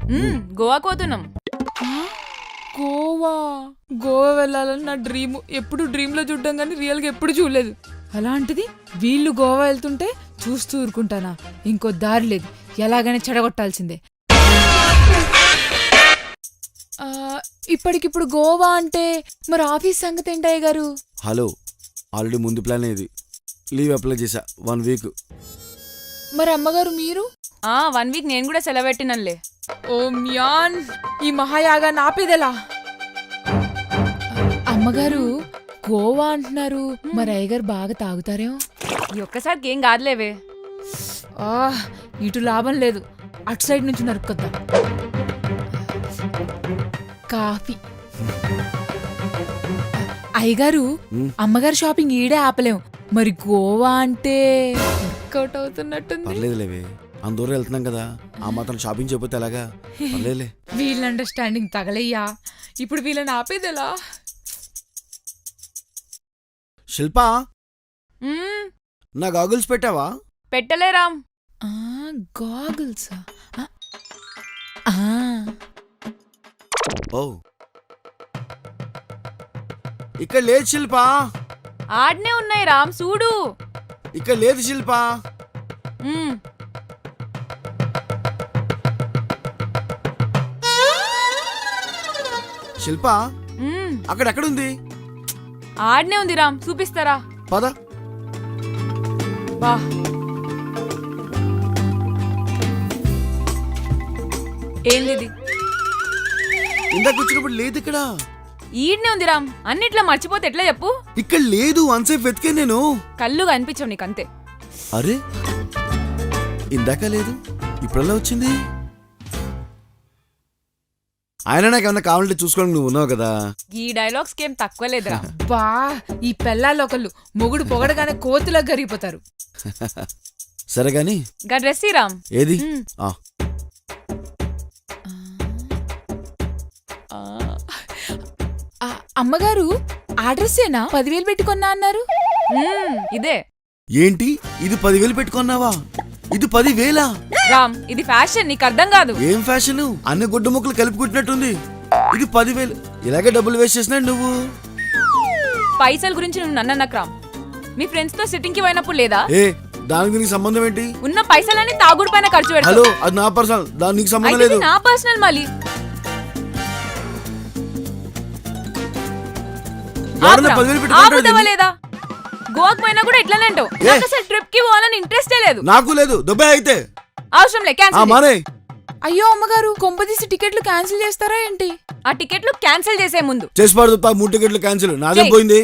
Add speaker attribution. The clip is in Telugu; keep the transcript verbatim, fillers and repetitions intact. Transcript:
Speaker 1: గోవాకు పోతున్నాం.
Speaker 2: గోవా గోవా వెళ్ళాలని నా డ్రీమ్. ఎప్పుడు డ్రీమ్ లో చూడ్డం కానీ రియల్ గా ఎప్పుడు చూడలేదు. అలాంటిది వీళ్ళు గోవా వెళ్తుంటే చూస్తూ ఊరుకుంటానా? ఇంకో దారి లేదు, ఎలాగైనా చెడగొట్టాల్సిందే. ఇప్పటికిప్పుడు గోవా అంటే మరి ఆఫీస్ సంగతి ఏంటయ్య గారు?
Speaker 3: హలో, ఆల్రెడీ ముందు ప్లాన్ ఇది. లీవ్ అప్లై చేశా వన్ వీక్.
Speaker 2: మరి అమ్మగారు మీరు?
Speaker 1: ఆ వన్ వీక్ నేను కూడా సెలవు పెట్టినలే.
Speaker 2: ఓ మ్యాన్, ఈ మహాయాగా నాపేదెలా? అమ్మగారు గోవా అంటున్నారు, మరి అయ్యగారు బాగా తాగుతారేమో.
Speaker 1: ఈ ఒక్కసారికి ఏం కాదులేవే.
Speaker 2: ఆ ఇటు లాభం లేదు, అటు సైడ్ నుంచి నరుక్కొద్దాం. కాఫీ. అయ్యగారు అమ్మగారు షాపింగ్ ఈడే ఆపలేం, మరి గోవా అంటే వర్కౌట్ అవుతున్నట్టుంది.
Speaker 3: పర్లేదులేవే, అందరూ వెళ్తున్నాం కదా, ఆ మాత్రం షాపింగ్ చేయకపోతే ఎలాగా? పర్లేదులే.
Speaker 2: వీళ్ళ అండర్స్టాండింగ్ తగలయ్యా, ఇప్పుడు వీళ్ళని ఆపేదెలా?
Speaker 3: శిల్పా, నా గాగుల్స్ పెట్టావా?
Speaker 1: పెట్టలేరామ్.
Speaker 2: గాగుల్సా?
Speaker 3: ఓ, ఇక్కడ లేదు శిల్పా.
Speaker 1: ఆడనే ఉన్నాయి రామ్, చూడు.
Speaker 3: ఇక్కడ లేదు శిల్పా. శిల్పా, అక్కడెక్కడుంది?
Speaker 1: ఆడనే ఉంది రామ్, చూపిస్తారా?
Speaker 3: పద.
Speaker 1: బా, ఏంది?
Speaker 3: ఇందాక వచ్చినప్పుడు లేదు ఇక్కడ.
Speaker 1: ఈడ్నే ఉంది రామ్, అన్నిట్లో మర్చిపోతే ఎట్లా చెప్పు?
Speaker 3: ఇక్కడ లేదు, అన్సేఫ్ వెతికే నేను.
Speaker 1: కళ్ళు కనిపించవు నీకంతే.
Speaker 3: అరే, ఇందాక లేదు, ఇప్పుడెలా వచ్చింది? ఆయన నాకేమన్నా కావాలంటే చూసుకోవడానికి నువ్వు ఉన్నావు కదా.
Speaker 1: ఈ డైలాగ్స్ కేం తక్కువ లేదురా.
Speaker 2: బా, ఈ పెళ్ళాలు ఒకళ్ళు మొగుడు పొగడగానే కోతులకు గరిగిపోతారు.
Speaker 3: సరే గాని
Speaker 1: గా డ్రెస్ రామ్.
Speaker 3: ఏది? ఆ
Speaker 2: అమ్మగారు ఆ డ్రెస్సేనా పదివేలు పెట్టుకున్నా అన్నారు?
Speaker 1: ఇదే.
Speaker 3: ఏంటి, ఇది పదివేలు పెట్టుకున్నావా? ఇది పదివేలా?
Speaker 1: రామ్, ఇది ఫ్యాషన్, నీకు అర్థం కాదు.
Speaker 3: ఏం ఫ్యాషన్? అన్ని గుడ్డ ముక్కలు కలిపికుట్టినట్టుంది. ఇది పదివేలు, ఇలాగే డబ్బులు వేస్ట్ చేసినా నువ్వు.
Speaker 1: పైసల గురించి నువ్వు నన్నన్నకు రామ్. మీ ఫ్రెండ్స్ తో సిట్టింగ్ కి పోయినప్పుడు లేదా?
Speaker 3: ఏ, దానికి నీకు సంబంధం ఏంటి?
Speaker 1: ఉన్న పైసలన్నీ తాగుడు పైన ఖర్చు పెడతావు.
Speaker 3: హలో, అది నా పర్సనల్, దానికి నీకు సంబంధం లేదు.
Speaker 1: నా పర్సనల్ మళ్ళీ. లేదా గోవాకు పోయినా కూడా ఇట్లానే అంటావు. నాకు అసలు ట్రిప్ కి పోవాలని ఇంట్రెస్టే లేదు.
Speaker 3: నాకు లేదు. దుబాయ్ అయితే
Speaker 1: అవసరం లే, క్యాన్సిల్.
Speaker 2: అయ్యో అమ్మగారు, కొంపదీసి టికెట్లు క్యాన్సిల్ చేస్తారా ఏంటి?
Speaker 1: ఆ టికెట్లు క్యాన్సిల్ చేసే ముందు
Speaker 3: చేసి పడుతుంది. మూడు టికెట్లు క్యాన్సిల్, నాదే పోయింది.